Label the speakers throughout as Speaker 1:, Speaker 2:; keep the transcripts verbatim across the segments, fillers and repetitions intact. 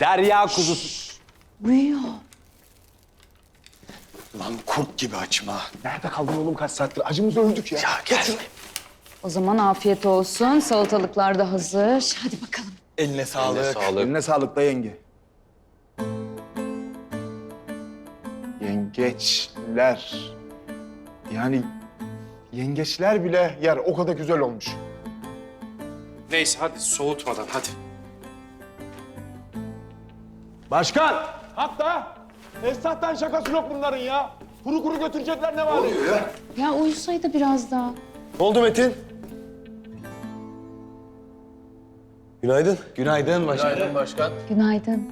Speaker 1: derya kuzusu.
Speaker 2: Uyuyor.
Speaker 3: Lan kurt gibi açma. Nerede kaldın oğlum kaç saattir? Acımız öldük ya. Ya gel.
Speaker 2: O zaman afiyet olsun. Salatalıklar da hazır. Hadi bakalım.
Speaker 3: Eline sağlık.
Speaker 1: Eline sağlık.
Speaker 3: Eline sağlık da yenge. Yengeçler. Yani yengeçler bile yer. O kadar güzel olmuş.
Speaker 4: Neyse hadi soğutmadan hadi.
Speaker 3: Başkan! Hatta Esnaf'tan şakası yok bunların ya. Kuru kuru götürecekler ne var? Ya?
Speaker 2: Ya uyusaydı biraz daha.
Speaker 5: Ne oldu Metin? Günaydın.
Speaker 1: Günaydın başkan.
Speaker 5: Günaydın başkan.
Speaker 2: Günaydın.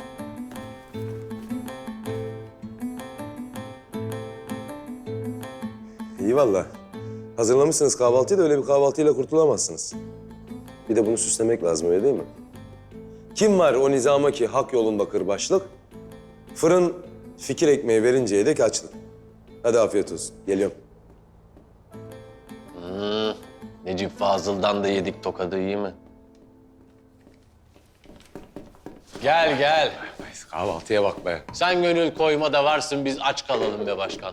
Speaker 5: İyi valla. Hazırlamışsınız kahvaltıyı da öyle bir kahvaltıyla kurtulamazsınız. Bir de bunu süslemek lazım öyle değil mi? Kim var o nizama ki hak yolunda kırbaçlık? Fırın fikir ekmeği verinceye dek açlık. Hadi afiyet olsun. Geliyorum.
Speaker 6: Hmm, Necip Fazıl'dan da yedik tokadı iyi mi? Gel gel.
Speaker 1: Kahvaltıya bak be.
Speaker 6: Sen gönül koyma da varsın biz aç kalalım be başkan.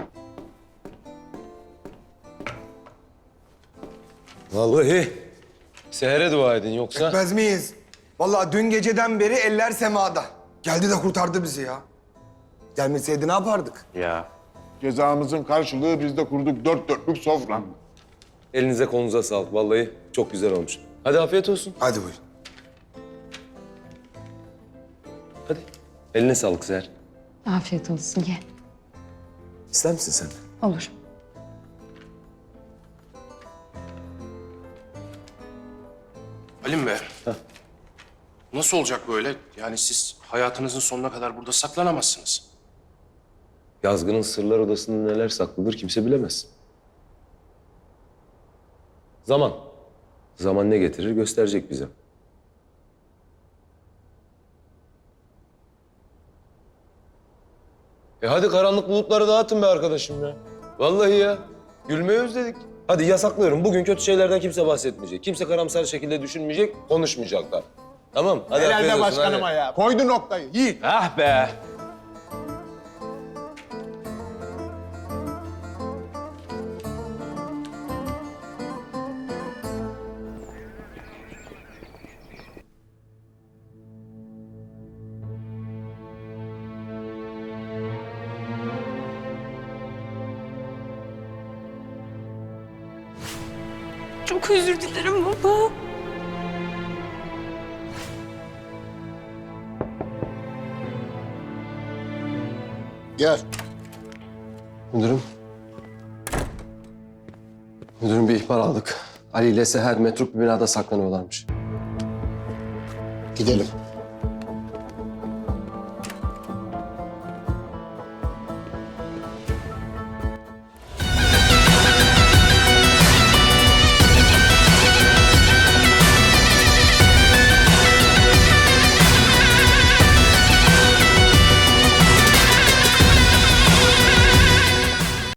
Speaker 5: Vallahi sehere dua edin yoksa...
Speaker 7: Etmez miyiz? Vallahi dün geceden beri eller semada. Geldi de kurtardı bizi ya. Gelmeseydi ne yapardık?
Speaker 6: Ya.
Speaker 3: Cezamızın karşılığı biz de kurduk dört dörtlük sofra.
Speaker 5: Elinize kolunuza sağlık. Vallahi çok güzel olmuş. Hadi afiyet olsun.
Speaker 7: Hadi buyurun.
Speaker 5: Hadi. Eline sağlık Seher.
Speaker 2: Afiyet olsun. Ye.
Speaker 5: İster misin sen de?
Speaker 2: Olur.
Speaker 4: Halim Bey. Nasıl olacak böyle? Yani siz hayatınızın sonuna kadar burada saklanamazsınız.
Speaker 5: Yazgı'nın sırlar odasında neler saklıdır kimse bilemez. Zaman. Zaman ne getirir gösterecek bize. E hadi karanlık bulutları dağıtın be arkadaşım ya. Vallahi ya. Gülmeyi özledik. Hadi yasaklıyorum. Bugün kötü şeylerden kimse bahsetmeyecek. Kimse karamsar şekilde düşünmeyecek, konuşmayacaklar. Tamam. Hadi afiyet
Speaker 3: Helal de
Speaker 5: olsun,
Speaker 3: başkanıma
Speaker 5: hadi.
Speaker 3: ya. Koydu noktayı. Yiğit.
Speaker 1: Ah be.
Speaker 8: Çok özür dilerim baba.
Speaker 7: Gel.
Speaker 9: Müdürüm. Müdürüm bir ihbar aldık. Ali ile Seher metruk bir binada saklanıyorlarmış.
Speaker 7: Gidelim.